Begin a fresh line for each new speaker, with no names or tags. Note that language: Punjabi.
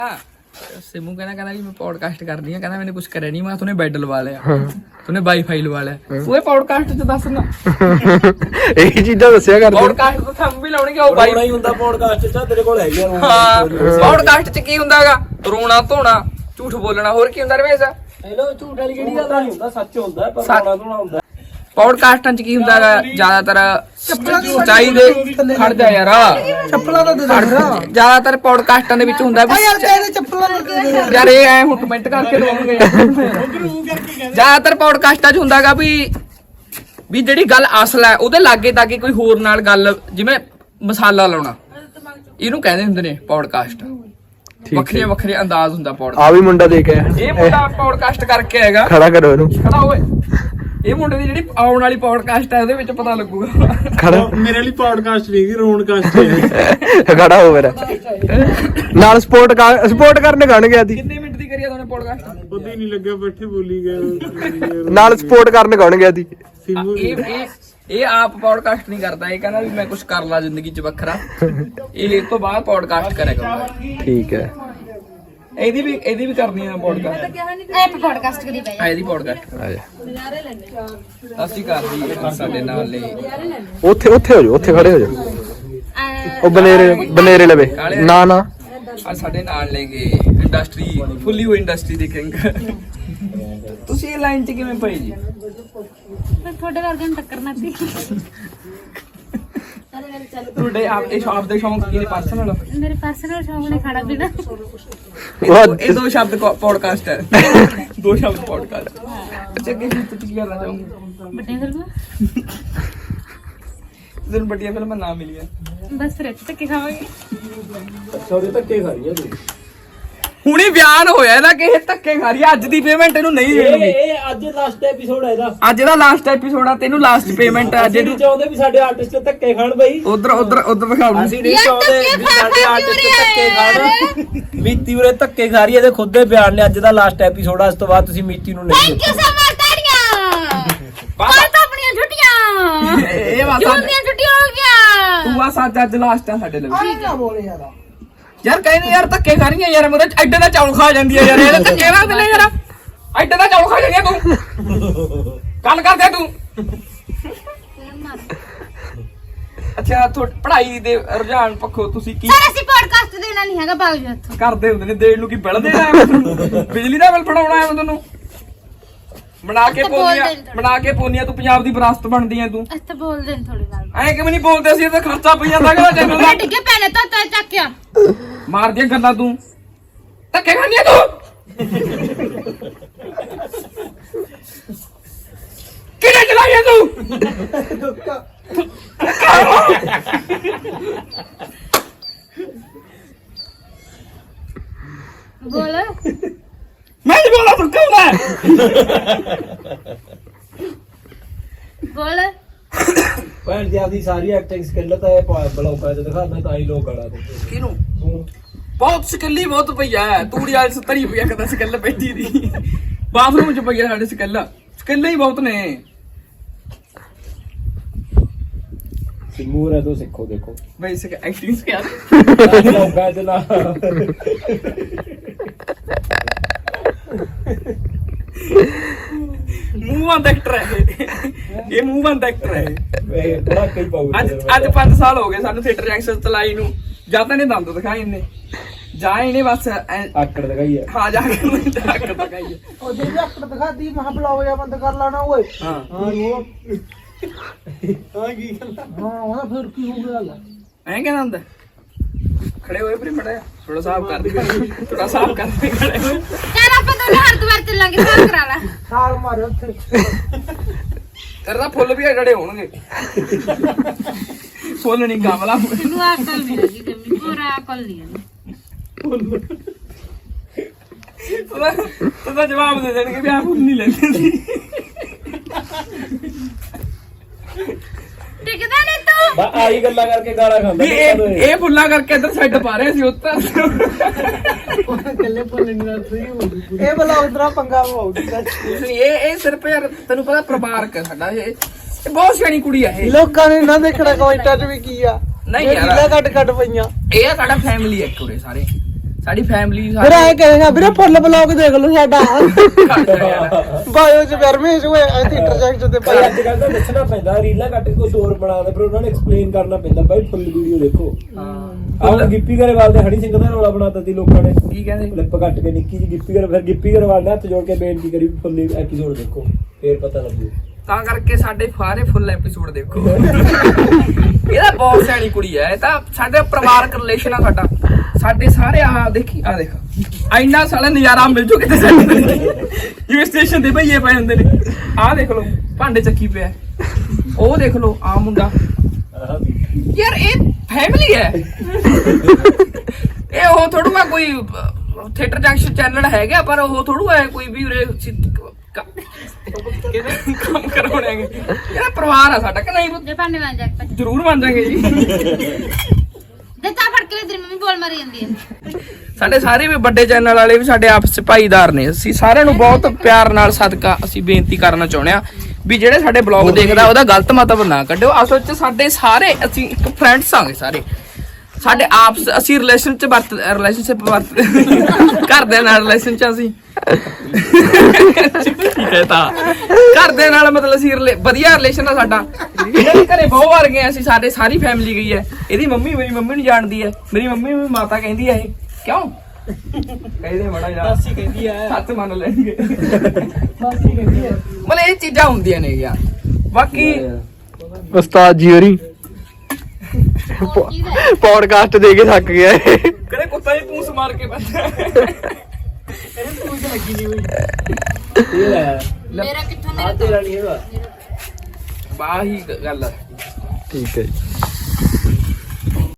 सिमू कहना भी मैं पॉडकास्ट कर दी कहना मैंने कुछ करे नहीं मैं तूने बेड लवा लिया तूने वाईफाई लवा लिया तू पॉडकास्ट च दस ना
ਇਹੀ ਚੀਜ਼ਾਂ ਦੱਸਿਆ ਕਰਦੇ
ਪੌਡਕਾਸਟ ਤੋਂ ਥੰਮ ਵੀ ਲਾਉਣਗੇ ਉਹ ਬਾਈ
ਹੀ ਹੁੰਦਾ ਪੌਡਕਾਸਟ ਚ ਤੇਰੇ ਕੋਲ ਹੈਗੀ
ਹਾਂ ਪੌਡਕਾਸਟ ਚ ਕੀ ਹੁੰਦਾਗਾ ਰੋਣਾ ਧੋਣਾ ਝੂਠ ਬੋਲਣਾ ਹੋਰ ਕੀ ਹੁੰਦਾ ਰਵੇਸ਼
ਹੈਲੋ ਝੂਠ ਵਾਲੀ ਕਿਹੜੀ ਗੱਲ ਨਹੀਂ ਹੁੰਦਾ ਸੱਚ ਹੁੰਦਾ ਪਰ ਰੋਣਾ ਧੋਣਾ ਹੁੰਦਾ
ਪੌਡਕਾਸਟਾਂ ਚ ਕੀ ਹੁੰਦਾਗਾ ਜ਼ਿਆਦਾਤਰ ਸੱਚਾਈ ਦੇ ਖੜ ਜਾ ਯਾਰ
ਚੱਪਲਾਂ ਤਾਂ ਦੇ ਦੇ
ਜ਼ਿਆਦਾਤਰ ਪੌਡਕਾਸਟਾਂ ਦੇ ਵਿੱਚ ਹੁੰਦਾ ਵੀ
ਯਾਰ ਤੇਰੇ ਚੱਪਲਾਂ ਲੱਗ
ਯਾਰ ਇਹ ਐ ਹੁਣ ਕਮੈਂਟ ਕਰਕੇ ਦਵਾਂਗੇ ਜ਼ਿਆਦਾਤਰ ਪੌਡਕਾਸਟਾਂ 'ਚ ਹੁੰਦਾਗਾ ਵੀ ਜਿਹੜੀ ਗੱਲ ਅਸਲ ਹੈ ਉਹਦੇ ਲਾਗੇ ਤਾਗੇ ਕੋਈ ਹੋਰ ਨਾਲ ਗੱਲ ਜਿਵੇਂ ਮਸਾਲਾ ਲਾਉਣਾ ਇਹਨੂੰ ਕਹਿੰਦੇ ਹੁੰਦੇ ਨੇ ਪੌਡਕਾਸਟ ਵੱਖਰੇ ਵੱਖਰੇ ਅੰਦਾਜ਼ ਹੁੰਦਾ ਪੌਡਕਾਸਟ
ਆ ਵੀ ਮੁੰਡਾ ਦੇਖ ਆਇਆ
ਇਹ ਮੁੰਡਾ ਪੌਡਕਾਸਟ ਕਰਕੇ ਆਏਗਾ
ਖੜਾ ਕਰੋ ਇਹਨੂੰ
ਖੜਾ ਓਏ ਇਹ ਮੁੰਡੇ ਦੀ ਜਿਹੜੀ ਆਉਣ ਵਾਲੀ ਪੌਡਕਾਸਟ ਹੈ ਉਹਦੇ ਵਿੱਚ ਪਤਾ ਲੱਗੂਗਾ
ਖੜਾ
ਮੇਰੇ ਲਈ ਪੌਡਕਾਸਟ ਨਹੀਂ ਗੀ ਰੋਡਕਾਸਟ ਹੈ
ਖੜਾ ਹੋ ਮੇਰਾ ਨਾਲ ਸਪੋਰਟ ਕਰਨ ਗਣ ਗਿਆ ਸੀ
ਕਿੰਨੇ ਮਿੰਟ ਦੀ ਕਰੀਆ ਤੁਹਾਨੂੰ ਪੌਡਕਾਸਟ
ਪਤਾ ਹੀ ਨਹੀਂ ਲੱਗਿਆ ਬੈਠੇ ਬੋਲੀ ਗਏ
ਨਾਲ ਸਪੋਰਟ ਕਰਨ ਗਣ ਗਿਆ ਸੀ
ਇਹ ਆਪ ਪੌਡਕਾਸਟ ਨਹੀਂ ਕਰਦਾ ਇਹ ਕਹਿੰਦਾ ਵੀ ਮੈਂ ਕੁਝ ਕਰ ਲਾ ਜ਼ਿੰਦਗੀ 'ਚ ਵੱਖਰਾ ਇਹ ਤੋਂ ਬਾਅਦ ਪੌਡਕਾਸਟ ਕਰਿਆ ਕਰੂੰਗਾ
ਠੀਕ ਹੈ
ਇਹਦੀ ਵੀ ਕਰਨੀ ਆ ਪੌਡਕਾਸਟ
ਐਪ ਪੋਡਕਾਸਟ ਕਰੀ ਪਈ
ਇਹਦੀ ਪੌਡਕਾਸਟ
ਆ ਜਾ
ਅਸੀਂ ਕਰਦੀ ਸਾਡੇ ਨਾਲ ਲਈ
ਉੱਥੇ ਹੋ ਜਾਓ ਉੱਥੇ ਖੜੇ ਹੋ ਜਾਓ ਉਹ ਬਨੇਰੇ ਲਵੇ ਨਾ
ਆ ਸਾਡੇ ਨਾਲ ਲੈ ਗਏ ਇੰਡਸਟਰੀ ਫੁੱਲੀ ਹੋਈ ਇੰਡਸਟਰੀ ਦੀ ਕਿੰਗ ਤੁਸੀਂ ਇਹ ਲਾਈਨ 'ਚ ਕਿਵੇਂ ਪਏ ਜੀ
ਮੈਂ ਤੁਹਾਡੇ ਵਰਗੇ ਨੂੰ ਟੱਕਰਨਾ ਸੀ
ਤੁਹਾਡੇ ਆਪ ਇਹ ਸ਼ੌਪ ਦੇ ਸ਼ੌਂਕ ਕੀ ਨੇ ਪਰਸਨਲ
ਮੇਰੇ ਪਰਸਨਲ ਸ਼ੌਂਕ ਨੇ ਖਾਣਾ ਪੀਣਾ
ਇਹ ਦੋ ਸ਼ਬਦ ਪੌਡਕਾਸਟ ਹੈ ਦੋ ਸ਼ਬਦ ਪੌਡਕਾਸਟ ਅੱਛਾ ਕੀ ਤੁਸੀਂ ਕਰਨਾ ਚਾਹੋਗੇ
ਵੱਡੇ ਫਿਲਮ
ਤੁਹਾਨੂੰ ਵੱਡੀਆਂ ਫਿਲਮਾਂ ਨਾ ਮਿਲੀਆਂ
ਬਸ ਫਿਰ ਇੱਥੇ ਤੱਕ ਖਾਵਾਂਗੇ
ਸੌਰੀ ਧੱਕੇ ਖਾ ਰਹੀ ਹੈ
ਹੁਣੀ ਬਿਆਨ ਹੋਇਆ ਇਹਦਾ ਕਿ ਇਹ ਧੱਕੇ ਖਾ ਰਹੀ ਹੈ ਅੱਜ ਦੀ ਪੇਮੈਂਟ ਇਹਨੂੰ ਨਹੀਂ ਦੇਣੀ
ਇਹ ਅੱਜ ਲਾਸਟ ਐਪੀਸੋਡ ਹੈ ਇਹਦਾ
ਅੱਜ ਦਾ ਲਾਸਟ ਐਪੀਸੋਡ ਆ ਤੈਨੂੰ ਲਾਸਟ ਪੇਮੈਂਟ ਆ
ਅਸੀਂ ਨਹੀਂ ਚਾਹੁੰਦੇ ਵੀ ਸਾਡੇ ਆਰਟਿਸਟ ਧੱਕੇ ਖਾਣ ਬਈ
ਉਧਰ ਦਿਖਾਉ
ਅਸੀਂ ਨਹੀਂ ਚਾਹੁੰਦੇ ਵੀ ਸਾਡੇ ਆਰਟਿਸਟ ਧੱਕੇ ਖਾਣ ਮੀਤੀ ਉਰੇ ਧੱਕੇ ਖਾ ਰਹੀ ਹੈ ਇਹਦੇ ਖੁਦ ਦੇ ਬਿਆਨ ਨੇ ਅੱਜ ਦਾ ਲਾਸਟ ਐਪੀਸੋਡ ਆ ਇਸ ਤੋਂ ਬਾਅਦ ਤੁਸੀਂ ਮੀਤੀ ਨੂੰ ਨਹੀਂ
ਥੈਂਕ ਯੂ ਸੋ ਮਚ ਤਾੜੀਆਂ ਬਾਹਰ ਤਾਂ ਆਪਣੀਆਂ ਛੁੱਟੀਆਂ
ਇਹ
ਜੂਨੀਆਂ ਛੁੱਟੀਆਂ ਹੋ ਗਿਆ
ਤੂੰ ਆ ਅੱਜ ਲਾਸਟ ਆ ਸਾਡੇ ਲਈ
ਠੀਕ ਆ ਬੋਲੇ
ਯਾਰ ਕਹਿੰਦੇ ਯਾਰ ਧੱਕੇ ਖਾ ਰਹੀਆਂ ਯਾਰ ਮੇਰੇ ਐਡੇ ਦਾ ਚੌਲ ਖਾ ਜਾਂਦੀ ਆ ਯਾਰ ਇਹ ਧੱਕੇ ਨਾ ਦੇ ਯਾਰ ਐਡੇ ਦਾ ਚੌਲ ਖਾ ਜਾਂਦੀ ਆ ਤੂੰ ਗੱਲ ਕਰਦੇ ਤੂੰ ਅੱਛਾ ਪੜ੍ਹਾਈ ਦੇ ਰੁਝਾਨ ਪੱਖੋਂ ਤੁਸੀਂ ਕੀ
ਸਰ ਅਸੀਂ ਪੋਡਕਾਸਟ ਦੇਣਾ ਨਹੀਂ ਹੈਗਾ ਬਾਬੂ ਜੀ ਉੱਥੋਂ
ਕਰਦੇ ਹੁੰਦੇ ਨੇ ਦੇਣ ਨੂੰ ਕੀ ਬਿੱਲ ਦੇਣਾ ਹੈ ਬਿਜਲੀ ਦਾ ਬਿੱਲ ਫੜਾਉਣਾ ਹੈ ਤੁਹਾਨੂੰ ਬਣਾ ਕੇ ਪੋਨੀਆਂ ਤੂੰ ਪੰਜਾਬ ਦੀ ਵਿਰਾਸਤ ਬਣਦੀ ਐ ਤੂੰ
ਇੱਥੇ ਬੋਲਦੇ ਨੇ ਥੋੜੀ ਗੱਲ
ਐ ਕਿਵੇਂ ਨਹੀਂ ਬੋਲਦੇ ਸੀ ਇਹ ਤਾਂ ਖਰਚਾ ਪਈ ਜਾਂਦਾ ਕਿਹੜਾ ਚੈਨਲ ਦਾ
ਮੈਂ ਡਿੱਗੇ ਪੈਣੇ ਤਾਂ ਤੈ ਚੱਕਿਆ
ਮਾਰਦੀਆਂ ਗੱਲਾਂ ਤੂੰ ਧੱਕੇ ਖਾਣੀ ਆ ਤੂੰ ਕਿਹਨੇ ਚਲਾਇਆ ਤੂੰ
ਬੋਲ
ਮੈਂ ਨਹੀਂ ਬੋਲਾ ਤੂੰ ਕੌਣ ਹੈ
ਬੋਲ
ਭੈਣ ਦੀ ਆਪਦੀ ਸਾਰੀ ਐਕਟਿੰਗ ਸਕਿੱਲ ਤਾਂ ਇਹ ਬਲੌਗਾਂ 'ਚ ਦਿਖਾਉਂਦਾ ਤਾਂ ਹੀ ਲੋਕ ਗਾਲਾਂ ਦਿੰਦੇ
ਕਿਹਨੂੰ ਬਹੁਤ ਸਕੱਲੀ ਬਹੁਤ ਪਈਆ ਤੂੜੀ ਵਾਲੀ 70 ਰੁਪਇਆ ਕਦਾ ਸਕੱਲ ਪੈਂਦੀ ਦੀ ਬਾਥਰੂਮ 'ਚ ਪਈਆ ਸਾਡੇ ਸਕੱਲ ਹੀ ਬਹੁਤ ਨੇ
ਸਿਮੂਰ ਹੈ ਤੋਂ ਸਿੱਖੋ ਦੇਖੋ
ਬੇਸਿਕ ਐਕਟਿੰਗ ਸਿਖਾ
ਬਲੌਗਾਂ 'ਚ ਨਾ
ਮੂੰਹ ਬੰਦ ਐਕਟਰ ਹੈ ਇਹ ਮੂੰਹ ਬੰਦ ਐਕਟਰ ਹੈ
ਇਹ ਬੜਾ ਕਈ ਪਾਉ
ਅੱਜ 5 ਸਾਲ ਹੋ ਗਏ ਸਾਨੂੰ ਥੀਏਟਰ ਐਕਸੈਸ ਚਲਾਈ ਨੂੰ ਜਾਂ ਤਾਂ ਇਹਨੇ ਦੰਦ ਦਿਖਾਏ ਇਹਨੇ ਜਾਂ ਇਹਨੇ ਬਸ
ਆਕੜ ਦਿਖਾਈ ਹੈ
ਹਾਂ ਜਾ ਕੇ ਆਕੜ ਦਿਖਾਈ
ਉਹ ਜੇ ਅੱਕੜ ਦਿਖਾਦੀ ਮਹਾ ਬਲਾਓ ਜਾਂ ਬੰਦ ਕਰ ਲਾਣਾ ਓਏ
ਹਾਂ
ਉਹ ਹਾਂ ਕੀ
ਹਾਂ ਉਹਦਾ ਫਿਰ ਕੀ ਹੋ ਗਿਆ ਲੈ
ਐਂ ਕਹਿੰਦਾ ਹੁੰਦਾ ਖੜੇ ਹੋਏ ਪ੍ਰੀ ਮੜਾ ਥੋੜਾ ਸਾਫ ਕਰ ਦੇ ਖੜੇ ਹੋਏ
ਚੱਲ ਆਪਾਂ ਦੋਨੇ ਹਰਦਵਾਰ ਚੱਲਾਂਗੇ ਸਾਲ ਕਰਾ ਲੈ
ਸਾਲ ਮਾਰੇ ਉੱਥੇ
ਤੇਰੇ ਤਾਂ ਫੁੱਲ ਵੀ ਅੜੜੇ ਹੋਣਗੇ ਫੁੱਲ ਨਹੀਂ ਗਮਲਾ
ਤੈਨੂੰ ਅਕਲ ਨਹੀਂ ਹੈਗੀ ਜੰਮੀ ਪੂਰਾ ਅਕਲ ਨਹੀਂ ਹੈ
ਤੂੰ ਤਾਂ ਜਵਾਬ ਦੇ ਦੇਣਗੇ ਵੀ ਆ ਫੁੱਲ ਨਹੀਂ ਲੈਂਦੇ ਸੀ
ਟਿਕਦਾ ਨਹੀਂ ਤੂੰ
ਆਹੀ ਗੱਲਾਂ ਕਰਕੇ ਗਾਲਾਂ ਖਾਂਦਾ
ਇਹ ਫੁੱਲਾਂ ਕਰਕੇ ਇੱਧਰ ਸੈੱਟ ਪਾ ਰਹੇ ਸੀ ਉੱਤਰ
ਕੱਲੇ ਬੋਲੇ ਨਹੀਂ ਸਹੀ ਹੋ ਗਈ ਇਹ ਬਲਾਓ ਤੇਰਾ ਪੰਗਾ ਹੋਊਗੀ
ਇਹ ਸਿਰਫ ਯਾਰ ਤੈਨੂੰ ਪਤਾ ਪਰਿਵਾਰਕ ਹੈ ਸਾਡਾ ਇਹ ਬਹੁਤ ਸਿਆਣੀ ਕੁੜੀ ਆ ਇਹ
ਲੋਕਾਂ ਨੇ ਨਾ ਦੇਖਣਾ ਕਮੈਂਟਾਂ 'ਚ ਵੀ ਕੀ ਆ
ਨਹੀਂ
ਇਹ
ਯਾਰ।
ਢਿੱਲਾ ਕੱਟ ਪਈਆਂ
ਇਹ ਆ ਸਾਡਾ ਫੈਮਿਲੀ ਹੈ ਕੁੜੇ ਸਾਰੇ ਸਾਡੀ ਫੈਮਿਲੀ
ਫਿਰ ਐ ਕਹੇਗਾ ਵੀਰੇ ਫੁੱਲ ਬਲੌਗ ਦੇਖ ਲਓ ਸਾਡਾ ਬਾਇਓ ਚ ਵਰਮੇਸ਼ ਹੋਏ ਇੱਥੇ ਇੰਟਰਸੈਕਸ਼ਨ ਤੇ
ਭਾਈ ਅੱਜ ਕੱਲ ਤਾਂ ਦੱਸਣਾ ਪੈਂਦਾ ਰੀਲਾਂ ਕੱਟ ਕੇ ਕੁਝ ਹੋਰ ਬਣਾਉਂਦੇ ਫਿਰ ਉਹਨਾਂ ਨੂੰ ਐਕਸਪਲੇਨ ਕਰਨਾ ਪੈਂਦਾ ਭਾਈ ਫੁੱਲ ਵੀਡੀਓ ਦੇਖੋ ਆਹ ਗਿੱਪੀ ਗਰੇਵਾਲ ਦੇ ਹਣੀ ਸਿੰਘ ਦਾ ਰੌਲਾ ਬਣਾਤਾ ਸੀ ਲੋਕਾਂ ਨੇ
ਕੀ ਕਹਿੰਦੇ
ਕਲਿੱਪ ਕੱਟ ਕੇ ਨਿੱਕੀ ਜੀ ਗਿੱਪੀ ਗਰੇਵਾਲ ਨੇ ਹੱਥ ਜੋੜ ਕੇ ਬੇਨਤੀ ਕਰੀ ਵੀ ਫੁੱਲ ਐਪੀਸੋਡ ਦੇਖੋ ਫੇਰ ਪਤਾ ਲੱਗੂ
ਤਾਂ ਕਰਕੇ ਸਾਡੇ ਸਾਰੇ ਫੁੱਲ ਐਪੀਸੋਡ ਦੇਖੋ ਇਹਦਾ ਬਹੁਤ ਸਿਆਣੀ ਕੁੜੀ ਹੈ ਇਹ ਤਾਂ ਸਾਡੇ ਪਰਿਵਾਰਕ ਰਿਲੇਸ਼ਨ ਆ ਸਾਡਾ ਸਾਡੇ ਸਾਰੇ ਆਹ ਦੇਖੀ ਆ ਦੇਖ ਇੰਨਾ ਸਾਲਾ ਨਜ਼ਾਰਾ ਮਿਲ ਜੂ ਕਿਤੇ ਸਾਡੇ ਜਿਵੇਂ ਸਟੇਸ਼ਨ ਤੇ ਭਈਏ ਪਏ ਹੁੰਦੇ ਨੇ ਆਹ ਦੇਖ ਲਓ ਭਾਂਡੇ ਚੱਕੀ ਪਿਆ ਉਹ ਦੇਖ ਲਓ ਆ ਮੁੰਡਾ ਯਾਰ ਇਹ ਫੈਮਿਲੀ ਹੈ ਇਹ ਉਹ ਥੋੜੂ ਆ ਕੋਈ ਥੀਏਟਰ ਜੰਕਸ਼ਨ ਚੈਨਲ ਹੈਗਾ ਪਰ ਉਹ ਥੋੜੂ ਹੈ ਕੋਈ ਵੀ ਉਰੇ ਕੰਮ ਕਰਾਉਣਾਗੇ ਇਹਦਾ ਪਰਿਵਾਰ ਆ ਸਾਡਾ ਕਿ ਨਹੀਂ
ਜੇ ਭਾਂਡੇ ਮਾਂਜ ਜਾ
ਜ਼ਰੂਰ ਮੰਨ ਜਾਗੇ ਜੀ
ਦੇ ਤਾਂ ਫੜ ਕੇ ਤੇਰੀ ਮੰਮੀ ਬੋਲ ਮਾਰੀ ਜਾਂਦੀ ਹੈ
ਸਾਡੇ ਸਾਰੇ ਵੀ ਵੱਡੇ ਚੈਨਲ ਵਾਲੇ ਵੀ ਸਾਡੇ ਆਪਸ ਚ ਭਾਈਦਾਰ ਨੇ ਅਸੀਂ ਸਾਰਿਆਂ ਨੂੰ ਬਹੁਤ ਪਿਆਰ ਨਾਲ ਸਦਕਾ ਅਸੀਂ ਬੇਨਤੀ ਕਰਨਾ ਚਾਹੁੰਦੇ ਆ ਵੀ ਜਿਹੜੇ ਸਾਡੇ ਬਲੌਗ ਦੇਖਦਾ ਉਹਦਾ ਗਲਤ ਮਤਲਬ ਨਾ ਕੱਢਿਓ ਅਸਲ ਚ ਸਾਡੇ ਸਾਰੇ ਅਸੀਂ ਇੱਕ ਫਰੈਂਡਸ ਆਂਗੇ ਸਾਰੇ ਸਾਡੇ ਆਪਸ ਅਸੀਂ ਰਿਲੇਸ਼ਨਸ਼ਿਪ ਘਰਦਿਆਂ ਨਾਲ ਰਿਲੇਸ਼ਨ ਚ ਅਸੀਂ ਘਰਦਿਆਂ ਨਾਲ ਮਤਲਬ ਅਸੀਂ ਵਧੀਆ ਰਿਲੇਸ਼ਨ ਆ ਸਾਡਾ ਇਹਨਾਂ ਦੇ ਘਰੇ ਬਹੁਤ ਵਾਰ ਗਏ ਅਸੀਂ ਸਾਡੇ ਸਾਰੀ ਫੈਮਿਲੀ ਗਈ ਹੈ ਇਹਦੀ ਮੰਮੀ ਮੇਰੀ ਮੰਮੀ ਨੂੰ ਜਾਣਦੀ ਹੈ ਮੇਰੀ ਮੰਮੀ ਵੀ ਮਾਤਾ ਕਹਿੰਦੀ ਹੈ ਇਹ ਕਿਉਂ ਕਹਿੰਦੇ ਬੜਾ ਯਾਰ
ਮਾਸੀ ਕਹਿੰਦੀ ਆ
ਹੱਥ ਮੰਨ ਲੈਣਗੇ
ਮਾਸੀ ਕਹਿੰਦੀ ਆ
ਮਤਲਬ ਇਹ ਚੀਜ਼ਾਂ ਹੁੰਦੀਆਂ ਨੇ ਯਾਰ ਬਾਕੀ
ਉਸਤਾਦ ਜੀ ਹੋਰੀ ਪੌਡਕਾਸਟ ਦੇ ਕੇ ਥੱਕ ਗਿਆ ਇਹ।
ਕਦੇ ਕੁੱਤਾ ਹੀ ਪੂੰਸ ਮਾਰ ਕੇ ਬੰਦਾ
ਇਹਨੂੰ ਕੁਝ ਲੱਗੀ ਨਹੀਂ ਹੋਈ
ਇਹ ਲੈ
ਮੇਰਾ ਕਿੱਥੋਂ
ਆ ਤੇਰਾ ਨਹੀਂ ਹੈਗਾ
ਬਾਹੀ ਗੱਲ ਆ
ਠੀਕ ਹੈ ਜੀ